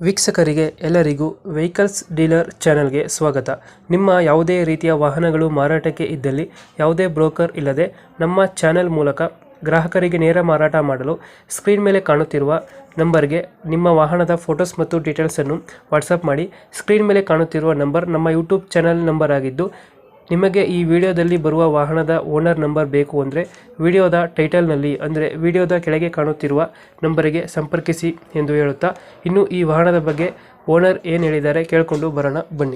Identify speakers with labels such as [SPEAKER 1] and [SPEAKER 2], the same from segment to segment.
[SPEAKER 1] ವೀಕ್ಷಕರಿಗೆ ಎಲ್ಲರಿಗೂ vehicles dealer ಚಾನೆಲ್ಗೆ ಸ್ವಾಗತ. ನಿಮ್ಮ ಯಾವುದೇ ರೀತಿಯ ವಾಹನಗಳು ಮಾರಾಟಕ್ಕೆ ಇದ್ದಲ್ಲಿ ಯಾವುದೇ ಬ್ರೋಕರ್ ಇಲ್ಲದೆ ನಮ್ಮ ಚಾನೆಲ್ ಮೂಲಕ ಗ್ರಾಹಕರಿಗೆ ನೇರ ಮಾರಾಟ ಮಾಡಲು ಸ್ಕ್ರೀನ್ ಮೇಲೆ ಕಾಣುತ್ತಿರುವ ನಂಬರ್ಗೆ ನಿಮ್ಮ ವಾಹನದ ಫೋಟೋಸ್ ಮತ್ತು ಡೀಟೇಲ್ಸನ್ನು ವಾಟ್ಸಪ್ ಮಾಡಿ. ಸ್ಕ್ರೀನ್ ಮೇಲೆ ಕಾಣುತ್ತಿರುವ ನಂಬರ್ ನಮ್ಮ ಯೂಟ್ಯೂಬ್ ಚಾನೆಲ್ ನಂಬರ್ ಆಗಿದ್ದು, ನಿಮಗೆ ಈ ವಿಡಿಯೋದಲ್ಲಿ ಬರುವ ವಾಹನದ ಓನರ್ ನಂಬರ್ ಬೇಕು ಅಂದರೆ ವಿಡಿಯೋದ ಟೈಟಲ್ನಲ್ಲಿ ಅಂದರೆ ವಿಡಿಯೋದ ಕೆಳಗೆ ಕಾಣುತ್ತಿರುವ ನಂಬರಿಗೆ ಸಂಪರ್ಕಿಸಿ ಎಂದು ಹೇಳುತ್ತಾ, ಇನ್ನು ಈ ವಾಹನದ ಬಗ್ಗೆ ಓನರ್ ಏನು ಹೇಳಿದ್ದಾರೆ ಕೇಳಿಕೊಂಡು ಬರೋಣ ಬನ್ನಿ.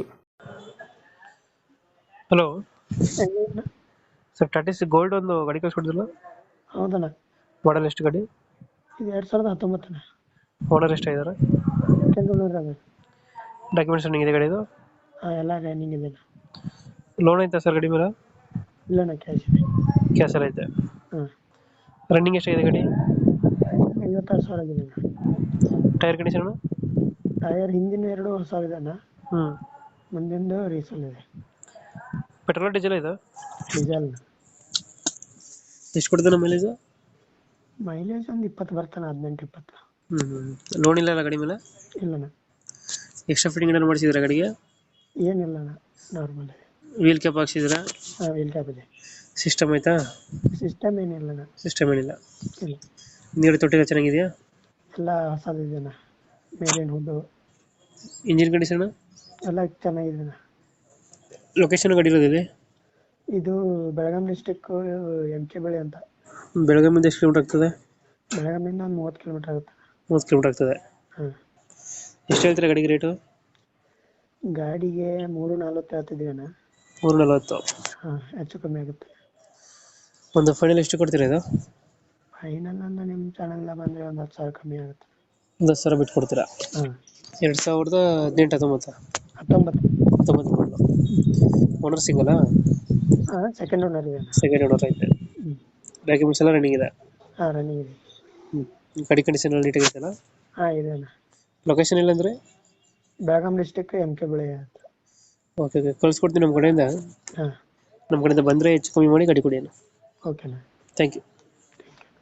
[SPEAKER 1] ಹಲೋ ಸರ್, ಟಾಟಾ ಸಿ ಗೋಲ್ಡ್ ಒಂದು ಗಾಡಿ ಕಳಿಸ್ಕೊಡಿದ್ರಲ್ಲ?
[SPEAKER 2] ಹೌದಣ್ಣ,
[SPEAKER 1] ಮಾಡಲ್ ಎಷ್ಟು ಗಾಡಿ?
[SPEAKER 2] ಇದು 2019.
[SPEAKER 1] ಓನರ್ ಎಷ್ಟಾಗಿದ್ದಾರೆ? ಡಾಕ್ಯುಮೆಂಟ್ಸ್ ರನ್ನಿಂಗ್ ಇದೆ ಗಾಡಿದು?
[SPEAKER 2] ಎಲ್ಲ ರನ್ನಿಂಗ್ ಇದೆ.
[SPEAKER 1] ಲೋನ್ ಐತಾ ಸರ್ ಗಾಡಿ ಮೇಲೆ?
[SPEAKER 2] ಇಲ್ಲಣ್ಣ, ಕ್ಯಾಶ್ ಇದೆ.
[SPEAKER 1] ಕ್ಯಾಶ್ ಎಲ್ಲ ಐತೆ.
[SPEAKER 2] ಹಾಂ,
[SPEAKER 1] ರನ್ನಿಂಗ್ ಎಷ್ಟಾಗಿದೆ ಗಾಡಿ?
[SPEAKER 2] 56,000 ಆಗಿದೆ ಅಣ್ಣ.
[SPEAKER 1] Tyre condition?
[SPEAKER 2] ಟೈರ್ ಹಿಂದಿನ 2 ಹೊಸವಿದೆ ಅಣ್ಣ,
[SPEAKER 1] ಹ್ಞೂ.
[SPEAKER 2] ಮುಂದಿಂದು ರೀಸಲ್ ಇದೆ.
[SPEAKER 1] ಪೆಟ್ರೋಲ್ ಡೀಸೆಲ್ ಇದು?
[SPEAKER 2] ಡೀಸೆಲ್.
[SPEAKER 1] ಎಷ್ಟು ಕೊಡ್ತಾನೆ ಮೈಲೇಜ್?
[SPEAKER 2] ಮೈಲೇಜ್ ಒಂದು 20 ಬರ್ತಾನೆ, 18-20.
[SPEAKER 1] ಲೋನ್ ಇಲ್ಲ ಗಾಡಿ ಮೇಲೆ?
[SPEAKER 2] ಇಲ್ಲಣ್ಣ,
[SPEAKER 1] ಎಕ್ಸ್ಟ್ರಾ ಫಿಟ್ಟಿಂಗ್ ಏನಾದ್ರು ಮಾಡಿಸಿದ್ರೆ ಗಾಡಿಗೆ?
[SPEAKER 2] ಏನಿಲ್ಲ ಅಣ್ಣ, ನಾರ್ಮಲ್ ಇದೆ.
[SPEAKER 1] ವೀಲ್ ಕ್ಯಾಪ್ ಹಾಕ್ಸಿದ್ರಾ?
[SPEAKER 2] ಹಾಂ, ವೀಲ್ ಕ್ಯಾಪ್ ಇದೆ.
[SPEAKER 1] ಸಿಸ್ಟಮ್ ಆಯ್ತಾ?
[SPEAKER 2] ಸಿಸ್ಟಮ್ ಏನಿಲ್ಲ ಅಣ್ಣ.
[SPEAKER 1] ಸಿಸ್ಟಮ್ ಏನಿಲ್ಲ.
[SPEAKER 2] ಇಲ್ಲ,
[SPEAKER 1] ನೀರು ತೊಟ್ಟಿಲ್ಲ ಚೆನ್ನಾಗಿದೆಯಾ?
[SPEAKER 2] ಎಲ್ಲ ಹೊಸದಿದೆ ಅಣ್ಣ. ಮೇಲಿನ ಹುಡ್ಡು
[SPEAKER 1] ಇಂಜಿನ್ ಕಂಡೀಷನ್
[SPEAKER 2] ಎಲ್ಲ ಚೆನ್ನಾಗಿದೆ ಅಣ್ಣ.
[SPEAKER 1] ಲೊಕೇಶನ್ ಗಾಡಿ ಇರೋದಿದೆ?
[SPEAKER 2] ಇದು ಬೆಳಗಾಂ ಡಿಸ್ಟಿಕ್, MK ಬಳಿ ಅಂತ.
[SPEAKER 1] ಬೆಳಗಾವಿಂದ ಎಷ್ಟು ಕಿಲೋಮೀಟರ್ ಆಗ್ತದೆ?
[SPEAKER 2] ಬೆಳಗಾಮಿಂದ ಒಂದು 30 ಕಿಲೋಮೀಟರ್ ಆಗುತ್ತೆ.
[SPEAKER 1] 30 ಕಿಲೋಮೀಟರ್ ಆಗ್ತದೆ.
[SPEAKER 2] ಹಾಂ.
[SPEAKER 1] ಎಷ್ಟು ಹೇಳ್ತೀರಾ ಗಾಡಿಗೆ ರೇಟು?
[SPEAKER 2] ಗಾಡಿಗೆ 340 ಹೇಳ್ತಿದ್ದೀವಿ ಅಣ್ಣ.
[SPEAKER 1] 340.
[SPEAKER 2] ಹಾಂ, ಹೆಚ್ಚು ಕಮ್ಮಿ ಆಗುತ್ತೆ.
[SPEAKER 1] ಒಂದು ಫೈನಲ್ ಎಷ್ಟು ಕೊಡ್ತೀರಾ ಇದು?
[SPEAKER 2] ಫೈನಲ್ ಅಂದ್ರೆ ನಿಮ್ಮ ಚಾನಲ್ನ ಬಂದರೆ ಒಂದು 10,000 ಕಮ್ಮಿ ಆಗುತ್ತೆ.
[SPEAKER 1] 10,000 ಬಿಟ್ಟು ಕೊಡ್ತೀರಾ?
[SPEAKER 2] ಹಾಂ.
[SPEAKER 1] 2018-19?
[SPEAKER 2] 19.
[SPEAKER 1] ಮಾಡಲು. ಓನರ್ ಸಿಂಗಲ್ಲ?
[SPEAKER 2] ಹಾಂ, ಸೆಕೆಂಡ್ ಓನರ್ ಇದೆ ಅಣ್ಣ.
[SPEAKER 1] ಸೆಕೆಂಡ್ ಓನರ್ ಐತೆ. ಡಾಕ್ಯುಮೆಂಟ್ಸ್ ಎಲ್ಲ ರನ್ನಿಂಗ್ ಇದೆ?
[SPEAKER 2] ಹಾಂ, ರನ್ನಿಂಗ್ ಇದೆ.
[SPEAKER 1] ಗಾಡಿ ಕಂಡೀಷನ್ ಎಲ್ಲ ನೀಟಾಗಿದೆಯಲ್ಲ?
[SPEAKER 2] ಹಾಂ, ಇದೆ ಅಣ್ಣ.
[SPEAKER 1] ಲೊಕೇಶನ್ ಇಲ್ಲಾಂದರೆ?
[SPEAKER 2] ಬೆಳಗಾಂ ಡಿಸ್ಟಿಕ್, MK ಬಳಿ ಅಂತ.
[SPEAKER 1] ಓಕೆ ಓಕೆ, ಕಳ್ಸ್ಕೊಡ್ತೀನಿ ನಮ್ಮ ಕಡೆಯಿಂದ.
[SPEAKER 2] ಹಾಂ,
[SPEAKER 1] ನಮ್ಮ ಕಡೆಯಿಂದ ಬಂದರೆ ಹೆಚ್ಚು ಕಮ್ಮಿ ಮಾಡಿ ಗಾಡಿ ಕೊಡಿ ಅಣ್ಣ.
[SPEAKER 2] ಓಕೆನಾ.
[SPEAKER 1] Thank you.